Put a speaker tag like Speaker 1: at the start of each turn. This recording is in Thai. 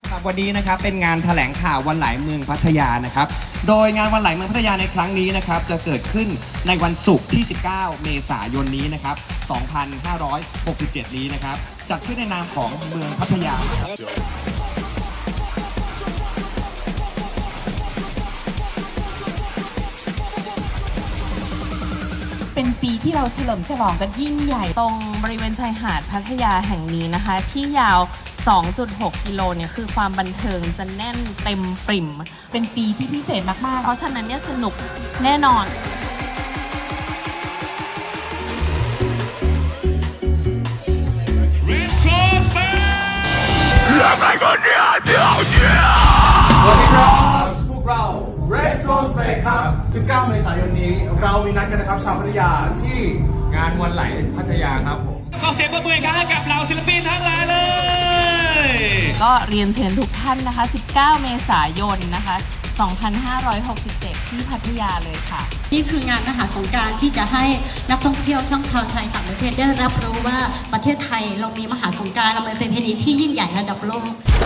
Speaker 1: ครับวันนี้นะครับเป็นงานแถลงข่าววันไหลเมืองพัทยานะครับโดยงานวันไหลเมืองพัทยาในครั้งนี้นะครับจะเกิดขึ้นในวันศุกร์ที่ 19 เมษายนนี้นะครับ 2567 นี้นะครับจัดขึ้นในนามของเมืองพัทยา
Speaker 2: เป็นปีที่เราเฉลิมฉลองกันยิ่งใหญ่
Speaker 3: ตรงบริเวณชายหาดพัทยาแห่งนี้นะคะที่ยาว 2.6 กิโลเนี่ยคือความบันเทิงจะแน่นเต็มปริ่ม
Speaker 2: เป็นปีที่พิเศษมากๆ
Speaker 3: เพราะฉะนั้นเนี่ยสนุกแน่นอน
Speaker 4: สวัสดีครับพวกเรา Retrospect ครับ 19 เมษายนนี้เรามีนัดกันนะครับชาวพัทยาที่
Speaker 5: งานวันไหลพัทยาครับผม
Speaker 6: ขอเสียงปรบมือให้กับเหล่าศิลปินทั้งหลายเลย
Speaker 3: ก็เรียนเชิญทุกท่านนะคะ 19 เมษายนนะคะ 2567 ที่พัทยาเลยค่ะ
Speaker 7: นี่คืองานมหาสงกรานต์ที่จะให้นักท่องเที่ยวทั้งชาวไทยต่างประเทศได้รับรู้ว่าประเทศไทยเรามีมหาสงกรานต์เราเป็นประเพณีที่ยิ่งใหญ่ระดับโลก